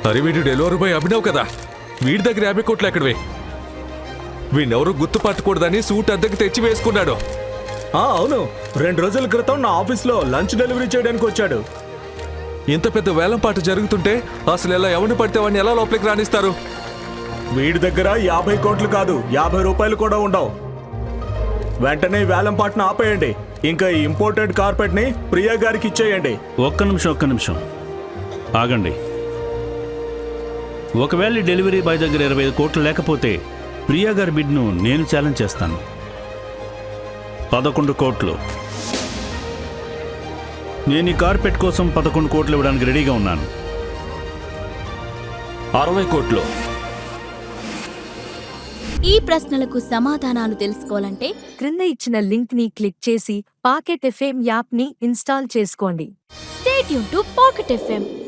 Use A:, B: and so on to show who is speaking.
A: అరే వీడు delivery boy Abhinav కదా, వీడి దగ్గర 50 కోట్లు ఎక్కడవే? వీడెవరూ గుర్తుపట్టకూడదని సూట్ అద్దెకి తెచ్చి వేసుకున్నాడు.
B: అవును, 2 రోజుల క్రితం నా ఆఫీస్లో లంచ్ డెలివరీ చేయడానికి వచ్చాడు.
A: ఇంత పెద్ద వేలంపాట జరుగుతుంటే అసలు ఎలా ఎవరిని పడితే వాడిని ఎలా లోపలికి రాణిస్తారు?
B: వీడి దగ్గర 50 కోట్లు కాదు, 50 రూపాయలు కూడా ఉండవు. వెంటనే వేలంపాటను ఆపేయండి. ఇంకా ఈ ఇంపోర్టెడ్ కార్పెట్ ని ప్రియా గారికి ఇచ్చేయండి.
C: ఒక్క నిమిషం ఆగండి. ఒకవేళ డెలివరీ బాయ్ దగ్గర 25 కోట్లు లేకపోతే ప్రియా గారి బిడ్ను నేను ఛాలెంజ్ చేస్తాను. 11 కోట్లు. నేను ఈ కార్పెట్ కోసం 11 కోట్లు ఇవ్వడానికి రెడీగా ఉన్నాను.
A: 60 కోట్లు.
D: ఈ ప్రశ్నలకు సమాధానాలు తెలుసుకోవాలంటే
E: క్రింద ఇచ్చిన లింక్ ని క్లిక్ చేసి పాకెట్ ఎఫ్ఎం యాప్ ని ఇన్స్టాల్ చేసుకోండి.
D: Stay tune to Pocket FM.